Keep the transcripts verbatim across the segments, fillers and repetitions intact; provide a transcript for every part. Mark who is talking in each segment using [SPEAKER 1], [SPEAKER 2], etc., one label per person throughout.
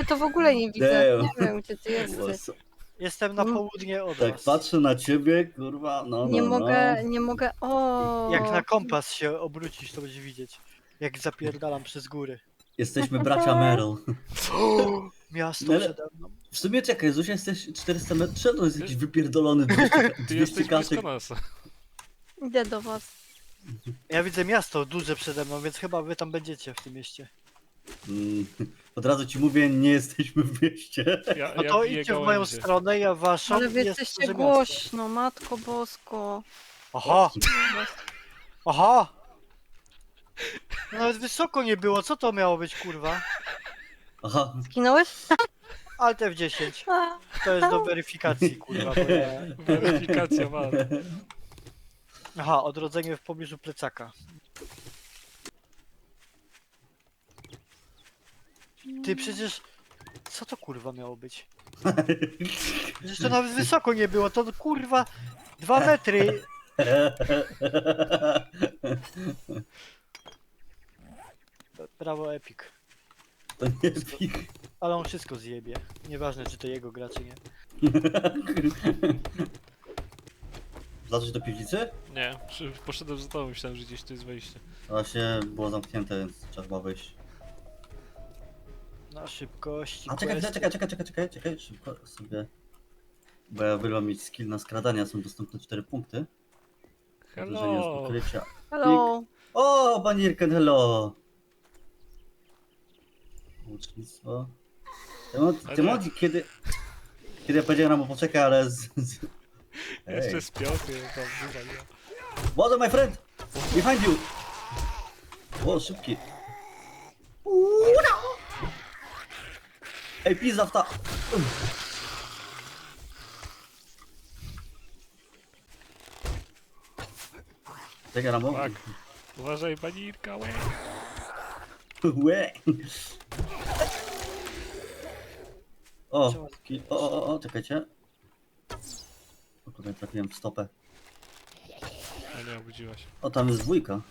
[SPEAKER 1] to w ogóle nie widzę. Nie wiem, gdzie ty jesteś.
[SPEAKER 2] Jestem na południe od
[SPEAKER 3] Tak
[SPEAKER 2] was.
[SPEAKER 3] patrzę na ciebie, kurwa, no,
[SPEAKER 1] Nie
[SPEAKER 3] no,
[SPEAKER 1] mogę,
[SPEAKER 3] no.
[SPEAKER 1] nie mogę. O.
[SPEAKER 2] Jak na kompas się obrócisz, to będziesz widzieć. Jak zapierdalam przez góry.
[SPEAKER 3] Jesteśmy bracia Merrill.
[SPEAKER 2] Miasto
[SPEAKER 3] Ale-
[SPEAKER 2] przede mną.
[SPEAKER 3] W sumie czekaj, Zuzia jesteś czterysta metrów, to jest jakiś wypierdolony dwieście,
[SPEAKER 4] Ty
[SPEAKER 3] dwieście
[SPEAKER 4] jesteś blisko
[SPEAKER 3] kaczek.
[SPEAKER 4] nas.
[SPEAKER 1] Idę do was.
[SPEAKER 2] Ja widzę miasto duże przede mną, więc chyba wy tam będziecie w tym mieście.
[SPEAKER 3] Mm, Od razu ci mówię, nie jesteśmy w mieście.
[SPEAKER 4] Ja,
[SPEAKER 2] No
[SPEAKER 4] ja
[SPEAKER 2] to
[SPEAKER 4] biję
[SPEAKER 2] idźcie w moją
[SPEAKER 4] gałęzie.
[SPEAKER 2] stronę, ja w waszą.
[SPEAKER 1] Ale
[SPEAKER 2] i
[SPEAKER 1] wy
[SPEAKER 2] jest
[SPEAKER 1] jesteście
[SPEAKER 2] duże miasto.
[SPEAKER 1] głośno, matko bosko.
[SPEAKER 2] Aha! Aha! Nawet wysoko nie było, co to miało być, kurwa?
[SPEAKER 3] Aha,
[SPEAKER 1] Zginąłeś?
[SPEAKER 2] Alt F dziesięć.
[SPEAKER 1] A,
[SPEAKER 2] To jest do weryfikacji, kurwa, bo ja...
[SPEAKER 4] Weryfikacja ma.
[SPEAKER 2] Aha, odrodzenie w pobliżu plecaka. Ty przecież... Co to kurwa miało być? Przecież to nawet wysoko nie było, to kurwa... Dwa metry! Brawo Epic.
[SPEAKER 3] to nie pik.
[SPEAKER 2] Ale on wszystko zjebie. Nieważne czy to jego gra czy nie.
[SPEAKER 3] Wlazłeś do piwnicy?
[SPEAKER 4] Nie, przy- poszedłem za tobą, myślałem, że gdzieś tu jest wejście.
[SPEAKER 3] Właśnie było zamknięte, więc trzeba chyba wyjść.
[SPEAKER 2] Na szybkości.
[SPEAKER 3] A czekaj,
[SPEAKER 2] questy.
[SPEAKER 3] czekaj, czekaj, czekaj, czekaj, czekaj, szybko sobie. Bo ja wylam mieć skill na skradania, są dostępne cztery punkty. Uderzenie z
[SPEAKER 4] Hello!
[SPEAKER 3] ukrycia.
[SPEAKER 1] hello.
[SPEAKER 3] O, Banirken, hello! Łucznictwo.
[SPEAKER 4] Ale
[SPEAKER 3] Tymodzi, kiedy... Kiedy ja powiedziałem mu poczekaj, ale z... z...
[SPEAKER 4] Jeszcze
[SPEAKER 3] Ej.
[SPEAKER 4] z piąty tam wywaliła.
[SPEAKER 3] Water, my friend! Behind you! O, szybki. Ej, pizza w ta... Czekaj, Rambo.
[SPEAKER 4] Tak. Uważaj, banirka, łe!
[SPEAKER 3] Łe. O, ki- o, o, o, o, czekajcie. O, tutaj trafiłem w stopę.
[SPEAKER 4] A nie, obudziłaś.
[SPEAKER 3] O, tam jest dwójka.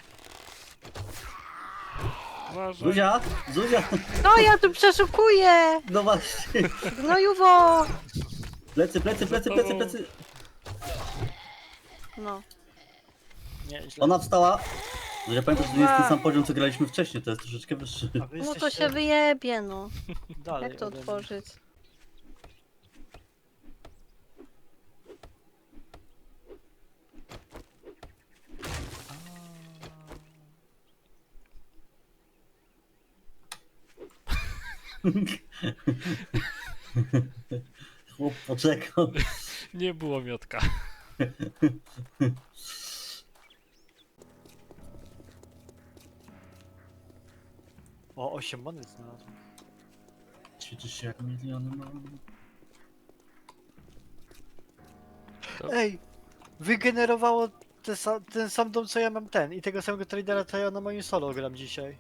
[SPEAKER 4] Uważaj!
[SPEAKER 3] Zuzia! Zuzia!
[SPEAKER 1] No ja tu przeszukuję!
[SPEAKER 3] No właśnie.
[SPEAKER 1] Gnojuwo!
[SPEAKER 3] Plecy, plecy, plecy, plecy, plecy.
[SPEAKER 1] No.
[SPEAKER 2] Nie, źle.
[SPEAKER 3] Ona wstała. Zuzia, pamiętasz, że to nie jest ten sam poziom, co graliśmy wcześniej, to jest troszeczkę wyższy.
[SPEAKER 2] A wy
[SPEAKER 1] No to
[SPEAKER 2] jesteście
[SPEAKER 1] się wyjebie, no.
[SPEAKER 2] dalej
[SPEAKER 1] Jak to
[SPEAKER 2] ode mnie.
[SPEAKER 1] otworzyć?
[SPEAKER 3] Chłop poczekał.
[SPEAKER 4] Nie było miotka.
[SPEAKER 2] O, osiem monet znalazłem.
[SPEAKER 3] Ćwiczysz się jak miliony mam.
[SPEAKER 4] To-
[SPEAKER 2] Ej! Wygenerowało te sa ten sam dom co ja mam ten i tego samego tradera co ja na moim solo gram dzisiaj.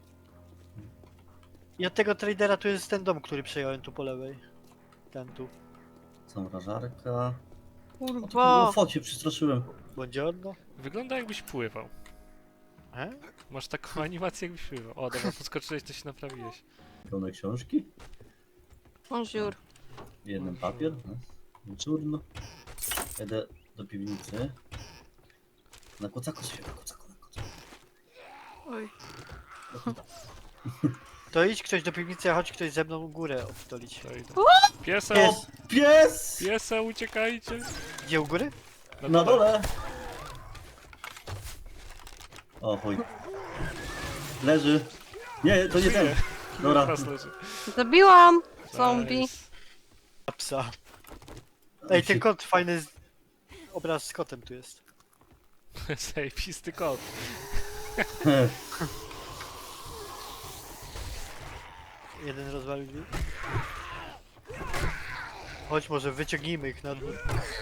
[SPEAKER 2] I od tego tradera tu jest ten dom, który przejąłem tu po lewej. Ten tu.
[SPEAKER 3] Zamrażarka. O,
[SPEAKER 1] Kurwa!
[SPEAKER 3] focie, przestraszyłem.
[SPEAKER 2] Buongiorno.
[SPEAKER 4] Wygląda jakbyś pływał.
[SPEAKER 2] E?
[SPEAKER 4] Masz taką animację jakbyś pływał. O, dobra, podskoczyłeś, to się naprawiłeś.
[SPEAKER 3] Pełne książki.
[SPEAKER 1] Bonjour.
[SPEAKER 3] Jeden papier. No. Czurno. Jedę do piwnicy. Na kocaku sobie, na kocaku, na kocaku.
[SPEAKER 1] Oj.
[SPEAKER 2] To idź ktoś do piwnicy, a chodź ktoś ze mną górę obstolić.
[SPEAKER 4] To idę. Piesa!
[SPEAKER 2] Pies!
[SPEAKER 3] Pies!
[SPEAKER 4] Piesa, uciekajcie!
[SPEAKER 2] Gdzie u góry?
[SPEAKER 3] Na dole! O chuj. Leży. Nie, to nie ten. Dobra.
[SPEAKER 4] Teraz leży.
[SPEAKER 1] Zabiłam! Zombie.
[SPEAKER 4] Nice.
[SPEAKER 2] A psa. Ej, ten kot, fajny z... obraz z kotem tu jest.
[SPEAKER 4] Zajebisty kot.
[SPEAKER 2] Jeden rozwalił drzwi. Chodź, może wyciągnijmy ich na dwór.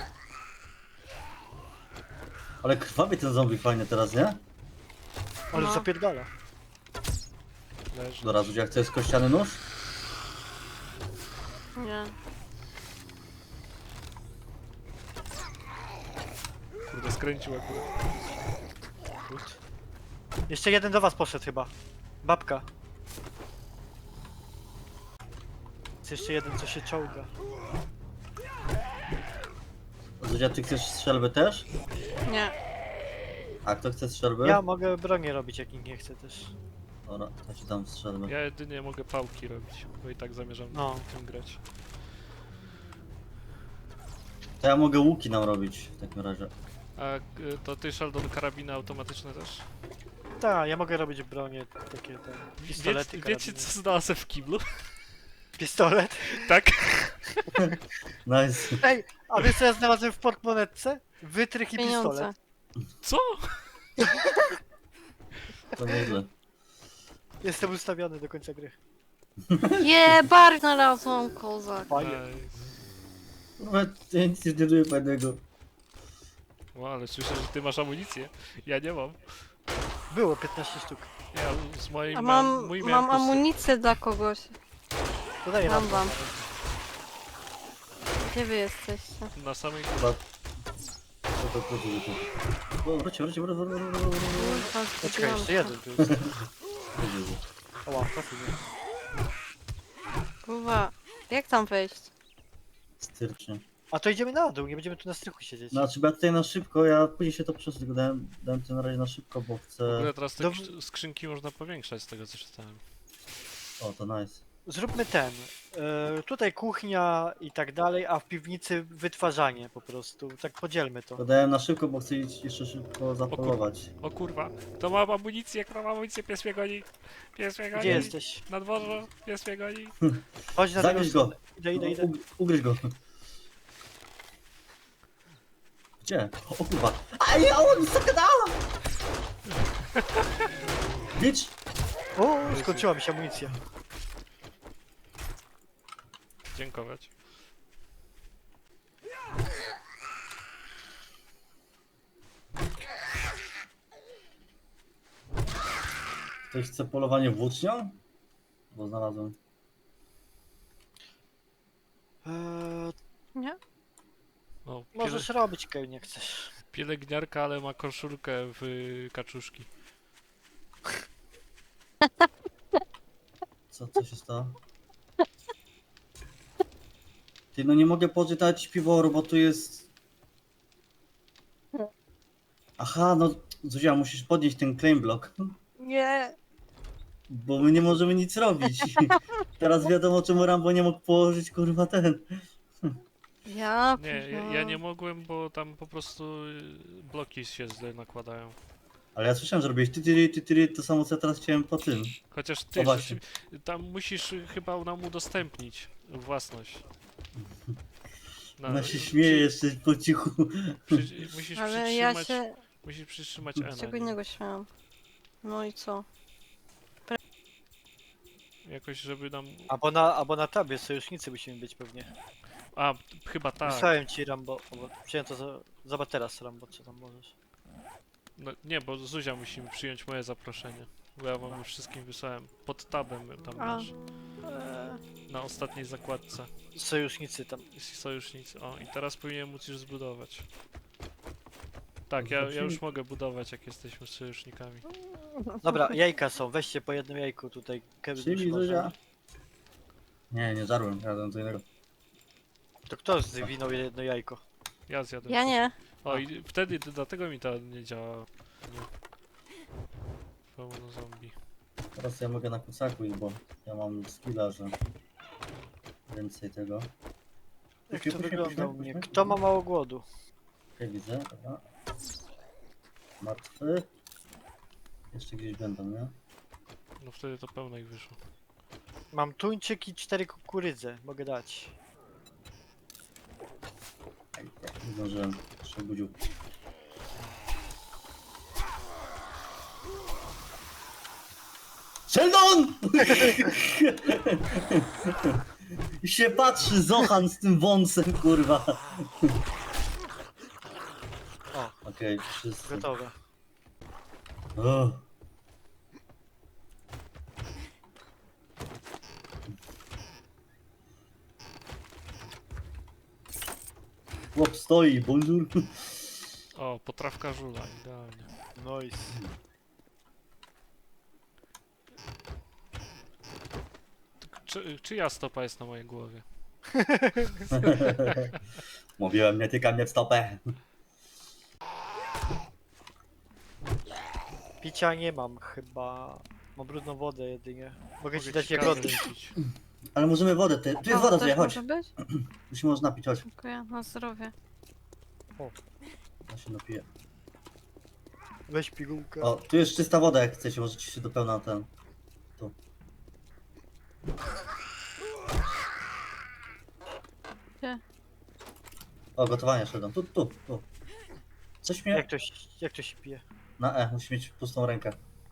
[SPEAKER 3] Ale krwawi ten zombie fajnie teraz, nie?
[SPEAKER 2] Ale
[SPEAKER 1] No.
[SPEAKER 2] zapierdala.
[SPEAKER 4] Leży.
[SPEAKER 3] Dobra, Zuzia, chcesz kościany nóż?
[SPEAKER 1] Nie.
[SPEAKER 4] Kurde, skręcił akurat.
[SPEAKER 2] Gut. Jeszcze jeden do was poszedł chyba. Babka. Jest jeszcze jeden, co się czołga.
[SPEAKER 3] Zuzia, ty chcesz strzelby też?
[SPEAKER 1] Nie.
[SPEAKER 3] A kto chce strzelby?
[SPEAKER 2] Ja mogę bronię robić, jak nikt nie chce też.
[SPEAKER 3] Dobra, to ci dam strzelby.
[SPEAKER 4] Ja jedynie mogę pałki robić, bo i tak zamierzam
[SPEAKER 2] No.
[SPEAKER 4] tym grać.
[SPEAKER 3] To ja mogę łuki nam robić w takim razie.
[SPEAKER 4] A y, to ty, Sheldon, karabiny automatyczne też?
[SPEAKER 2] Tak, ja mogę robić bronię, takie te pistolety,
[SPEAKER 4] Wiecie, wiecie
[SPEAKER 2] karabiny.
[SPEAKER 4] co znalazłem w kiblu?
[SPEAKER 2] Pistolet?
[SPEAKER 4] Tak?
[SPEAKER 3] Nice.
[SPEAKER 2] Ej, a wiesz co ja znalazłem w portmonetce? Wytrych i
[SPEAKER 1] Pieniądze.
[SPEAKER 2] pistolet.
[SPEAKER 4] Co?
[SPEAKER 3] To nieźle.
[SPEAKER 2] Jestem ustawiony do końca gry.
[SPEAKER 1] Je, bar znalazłam, kozak.
[SPEAKER 2] Fajnie.
[SPEAKER 4] Nice.
[SPEAKER 3] Nawet ja nic nie zdeduję fajnego.
[SPEAKER 4] O, ale słyszę, że ty masz amunicję. Ja nie mam.
[SPEAKER 2] Było piętnaście sztuk.
[SPEAKER 4] Ja z mojej
[SPEAKER 1] A
[SPEAKER 4] mam,
[SPEAKER 1] mam,
[SPEAKER 4] mój
[SPEAKER 1] mam
[SPEAKER 4] miałem po prostu-
[SPEAKER 1] amunicję dla kogoś.
[SPEAKER 2] To daję
[SPEAKER 1] Mam
[SPEAKER 2] wam.
[SPEAKER 1] wam. Gdzie wy jesteście?
[SPEAKER 4] na samej
[SPEAKER 3] Chyba... Co to chodzi tu? O, wróćcie, wróćcie, wróćcie, wróćcie, wróćcie, wróćcie.
[SPEAKER 1] Kurwa,
[SPEAKER 2] Poczekaj,
[SPEAKER 1] zgubiłam
[SPEAKER 2] jeszcze
[SPEAKER 1] się.
[SPEAKER 2] jeden tu jest.
[SPEAKER 3] Wróćcie.
[SPEAKER 2] Oła, trafił mnie.
[SPEAKER 1] Kurwa, jak tam wejść?
[SPEAKER 3] Stycznie.
[SPEAKER 2] A to idziemy na dół, nie będziemy tu na strychu siedzieć.
[SPEAKER 3] Znaczy, bo ja tutaj na szybko, ja później się to przesunę, tylko dałem, dałem to na razie na szybko, bo
[SPEAKER 4] W
[SPEAKER 3] chcę...
[SPEAKER 4] ogóle teraz te
[SPEAKER 2] Dob-
[SPEAKER 4] krz- skrzynki można powiększać z tego co czytałem.
[SPEAKER 3] O, to nice.
[SPEAKER 2] Zróbmy ten. E, tutaj kuchnia i tak dalej, a w piwnicy wytwarzanie po prostu. Tak podzielmy to.
[SPEAKER 3] To dałem na szybko, bo chcę iść jeszcze szybko zapolować.
[SPEAKER 4] O kurwa, to mam amunicję, jak mam amunicję, pies mnie goni. Pies mnie goni.
[SPEAKER 2] Gdzie jesteś?
[SPEAKER 4] Na dworze, pies mnie goni.
[SPEAKER 2] Chodź na
[SPEAKER 3] Zagryź
[SPEAKER 2] drugą
[SPEAKER 3] go!
[SPEAKER 2] stronę. Idę, idę, idę.
[SPEAKER 3] Ug- Ugryź go. Gdzie? O kurwa. A ja on zagadała! Bitch!
[SPEAKER 2] O, skończyła mi się amunicja.
[SPEAKER 4] Dziękować.
[SPEAKER 3] Ktoś chce polowanie włócznią? Bo znalazłem.
[SPEAKER 2] Eee,
[SPEAKER 1] Nie?
[SPEAKER 4] O, piele,
[SPEAKER 2] możesz robić, Keł, nie chcesz.
[SPEAKER 4] pielęgniarka, ale ma koszulkę w y, kaczuszki.
[SPEAKER 3] Co, co się stało? Ty, no nie mogę poczytać piworu, bo tu jest... Aha, no Zuzia, musisz podnieść ten claim block,
[SPEAKER 1] Nie.
[SPEAKER 3] bo my nie możemy nic robić. Teraz wiadomo, czemu Rambo nie mógł położyć, kurwa, ten.
[SPEAKER 1] Ja
[SPEAKER 4] Nie, ja,
[SPEAKER 1] pierdolę.
[SPEAKER 4] ja nie mogłem, bo tam po prostu y, bloki się źle nakładają.
[SPEAKER 3] Ale ja słyszałem, że robiłeś ty, ty, ty, ty, to samo, co ja teraz chciałem po tym.
[SPEAKER 4] Chociaż
[SPEAKER 3] No
[SPEAKER 4] ty
[SPEAKER 3] właśnie.
[SPEAKER 4] rzeczy- tam musisz y, chyba nam udostępnić własność. Na-
[SPEAKER 3] Ona się śmieje jeszcze po cichu.
[SPEAKER 4] Przy, przy, musisz
[SPEAKER 1] Ale ja
[SPEAKER 4] przytrzymać,
[SPEAKER 1] się...
[SPEAKER 4] musisz przytrzymać N.
[SPEAKER 1] Z czego innego śmiałam. No i co?
[SPEAKER 4] Jakoś, żeby nam...
[SPEAKER 2] Albo na, albo na tabie sojusznicy musimy być pewnie.
[SPEAKER 4] A, chyba tak.
[SPEAKER 2] Wysłałem ci Rambo. O, Wziąłem to za... Zobacz teraz Rambo, co tam możesz.
[SPEAKER 4] No, nie, bo Zuzia musimy przyjąć moje zaproszenie. Bo ja wam już wszystkim wysłałem. Pod tabem tam
[SPEAKER 1] A.
[SPEAKER 4] masz.
[SPEAKER 1] Eee,
[SPEAKER 4] Na ostatniej zakładce.
[SPEAKER 2] Sojusznicy tam.
[SPEAKER 4] Sojusznicy. O, i teraz powinienem móc już zbudować. Tak, ja, ja już mogę budować, jak jesteśmy sojusznikami.
[SPEAKER 2] Dobra, jajka są, weźcie po jednym jajku tutaj. Kevin już
[SPEAKER 3] Przyjmij,
[SPEAKER 2] może.
[SPEAKER 3] Zuzia. Nie, nie żarłem, ja dam co innego.
[SPEAKER 2] To kto zwinął jedno jajko?
[SPEAKER 4] Ja zjadę.
[SPEAKER 1] ja nie.
[SPEAKER 4] O, i wtedy dlatego mi to nie działa. Nie. Pełno zombie.
[SPEAKER 3] Teraz ja mogę na kucaku iść, bo ja mam skilla, że więcej tego.
[SPEAKER 2] Jak
[SPEAKER 3] Proszę,
[SPEAKER 2] to
[SPEAKER 3] proszę,
[SPEAKER 2] wygląda
[SPEAKER 3] proszę,
[SPEAKER 2] u mnie?
[SPEAKER 3] proszę.
[SPEAKER 2] Kto ma mało głodu?
[SPEAKER 3] Okej, widzę, dobra. Martwy. Jeszcze gdzieś będą, nie?
[SPEAKER 4] No wtedy to pełno ich wyszło.
[SPEAKER 2] Mam tuńczyk i cztery kukurydze. Mogę dać.
[SPEAKER 3] Nie zdążyłem, jeszcze budził. Sheldon! I się patrzy Zohan z tym wąsem, kurwa.
[SPEAKER 2] O,
[SPEAKER 3] Okej, wszyscy.
[SPEAKER 2] gotowe.
[SPEAKER 3] O. Chłop stoi, bonjour.
[SPEAKER 4] O, potrawka żula, idealnie.
[SPEAKER 2] Nice.
[SPEAKER 4] czy, czyja stopa jest na mojej głowie?
[SPEAKER 3] Mówiłem, nie tyka mnie w stopę.
[SPEAKER 2] Picia nie mam chyba. Mam brudną wodę jedynie. Mogę ci
[SPEAKER 4] Mogę
[SPEAKER 2] dać
[SPEAKER 4] ci
[SPEAKER 2] jagody.
[SPEAKER 4] kawę wypić.
[SPEAKER 3] Ale możemy wodę, ty. Tu jest
[SPEAKER 1] O,
[SPEAKER 3] woda,
[SPEAKER 1] też
[SPEAKER 3] Zuja, chodź.
[SPEAKER 1] może być?
[SPEAKER 3] Tu się można napić, chodź.
[SPEAKER 1] Dziękuję, na zdrowie.
[SPEAKER 3] Ja się napiję.
[SPEAKER 2] Weź pigułkę.
[SPEAKER 3] O, tu jest czysta woda, jak chcecie, możecie się do pełna ten. Tu.
[SPEAKER 1] Gdzie?
[SPEAKER 3] O, gotowanie szedłem. Tu, tu, tu. Coś mnie...
[SPEAKER 2] Jak to, się- jak to się pije?
[SPEAKER 3] Na E, musi mieć pustą rękę.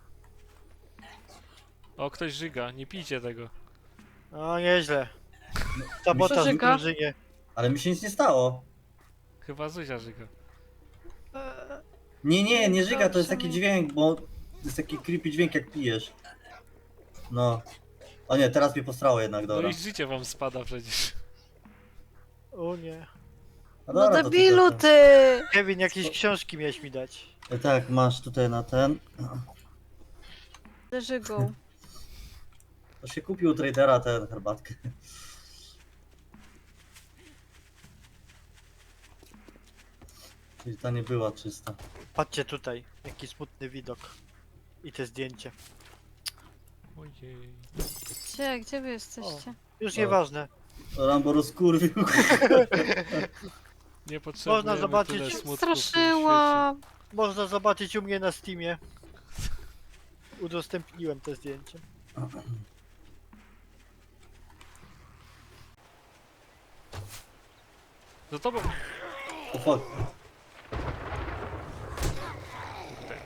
[SPEAKER 4] O, ktoś żyga, nie pijcie tego.
[SPEAKER 2] O, nieźle. Sabotaż w
[SPEAKER 1] Przeżyga.
[SPEAKER 2] drużynie.
[SPEAKER 3] Ale mi się nic nie stało.
[SPEAKER 4] Chyba Zuzia żyga.
[SPEAKER 1] Eee,
[SPEAKER 3] Nie, nie, nie żyga, to jest
[SPEAKER 1] Dobrze
[SPEAKER 3] taki
[SPEAKER 1] mi.
[SPEAKER 3] dźwięk, bo... To jest taki creepy dźwięk, jak pijesz. No. O nie, teraz mnie postrało jednak,
[SPEAKER 4] No
[SPEAKER 3] dobra.
[SPEAKER 4] i życie wam spada przecież.
[SPEAKER 2] O nie.
[SPEAKER 3] No,
[SPEAKER 1] No
[SPEAKER 3] dobra, to
[SPEAKER 1] debilu
[SPEAKER 3] tylko-
[SPEAKER 1] ty!
[SPEAKER 2] Kevin, jakieś książki miałeś mi dać.
[SPEAKER 3] E, Tak, masz tutaj na ten.
[SPEAKER 1] Leży go.
[SPEAKER 3] To się kupił u tradera tę herbatkę. Czyli ta nie była czysta.
[SPEAKER 2] Patrzcie tutaj, jaki smutny widok. I te zdjęcie.
[SPEAKER 4] Ojej.
[SPEAKER 1] Gdzie, gdzie wy jesteście?
[SPEAKER 2] Już
[SPEAKER 3] O.
[SPEAKER 2] nieważne.
[SPEAKER 3] Rambo rozkurwił.
[SPEAKER 4] Nie potrzebujemy
[SPEAKER 2] zobaczyć-
[SPEAKER 4] tyle smutku w tym
[SPEAKER 1] Straszyłam!
[SPEAKER 2] Można zobaczyć u mnie na Steamie. Udostępniłem te zdjęcie.
[SPEAKER 4] świecie. Za tobą!
[SPEAKER 3] O fuck.
[SPEAKER 4] Kurde.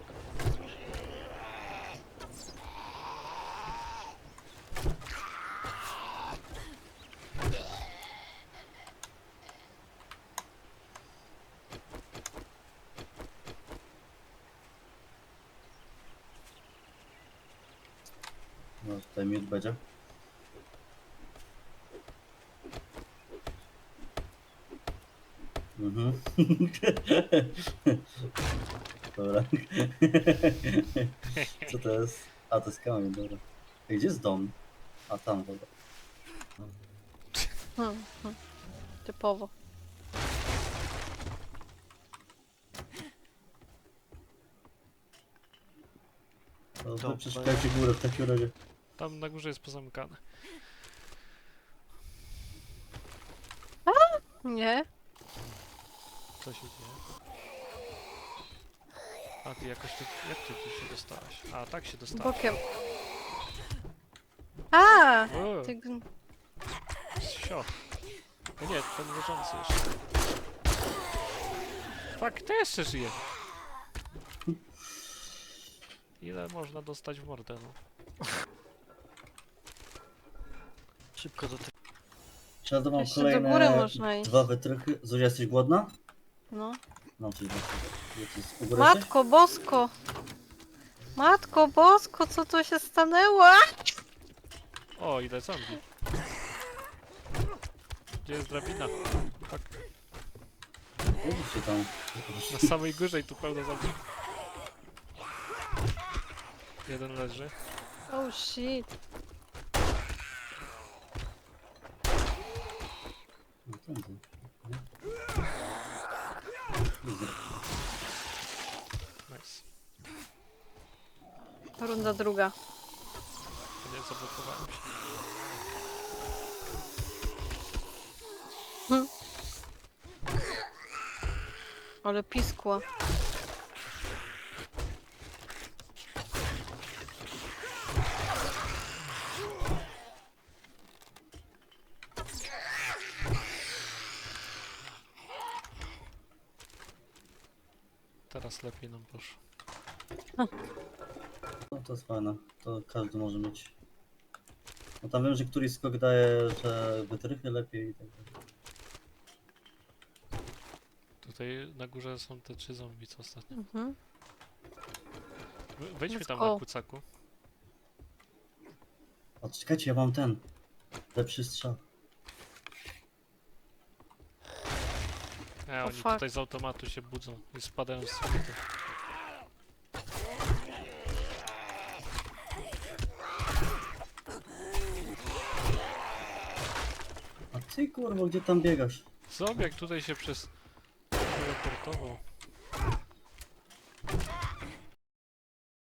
[SPEAKER 3] No tutaj miód będzie. Mhm. Dobra. Co to jest? A, to jest kamień, dobra. Ej, gdzie jest dom? A, tam, dobra.
[SPEAKER 1] Hmm, hmm. Typowo.
[SPEAKER 3] To
[SPEAKER 2] Dobra.
[SPEAKER 3] wy przeszukajcie górę w takim razie.
[SPEAKER 4] Tam na górze jest pozamykane.
[SPEAKER 1] Nie?
[SPEAKER 4] Co się dzieje? A ty jakoś tu... Jak ty tu się dostałaś? A, tak się dostałaś.
[SPEAKER 1] Bokiem. A!
[SPEAKER 4] O,
[SPEAKER 1] Ty... gn-
[SPEAKER 4] sio. O nie, ten leżący jeszcze. Fuck, to jeszcze żyje. Ile można dostać w mordę, no?
[SPEAKER 2] Szybko do tego.
[SPEAKER 3] Trzeba mam
[SPEAKER 1] Jeszcze do
[SPEAKER 3] kolejne
[SPEAKER 1] góry można iść.
[SPEAKER 3] dwa wytrychy. Zuzia, jesteś głodna?
[SPEAKER 1] No.
[SPEAKER 3] No, coś właśnie. Jest u góry jesteś?
[SPEAKER 1] Matko bosko! Matko bosko, co tu się stanęło?
[SPEAKER 4] O, ile zombie. Gdzie jest drabina? Fuck.
[SPEAKER 3] Widzicie tam.
[SPEAKER 4] Na samej górze i tu pełno zombie. Jeden leży.
[SPEAKER 1] Oh shit.
[SPEAKER 3] No, tędy. Widzę.
[SPEAKER 4] Nice.
[SPEAKER 1] Runda druga.
[SPEAKER 4] To nie zablokowałem się.
[SPEAKER 1] Ale piskła.
[SPEAKER 3] Teraz lepiej nam poszło. No to jest fajne, to każdy może mieć. No tam wiem, że któryś skok daje, że wytrychy lepiej i tak dalej.
[SPEAKER 4] Tutaj na górze są te trzy zombie, co ostatnio.
[SPEAKER 1] Mhm.
[SPEAKER 4] We- Wejdźmy
[SPEAKER 1] Let's
[SPEAKER 4] tam
[SPEAKER 1] go.
[SPEAKER 4] na kucaku.
[SPEAKER 3] O, czekajcie, ja mam ten. Lepszy strzał.
[SPEAKER 4] E,
[SPEAKER 1] O
[SPEAKER 4] oni
[SPEAKER 1] fuck.
[SPEAKER 4] tutaj z automatu się budzą i spadają z sufity.
[SPEAKER 3] A ty kurwa, gdzie tam biegasz?
[SPEAKER 4] Zombiak tutaj się przez... teleportował.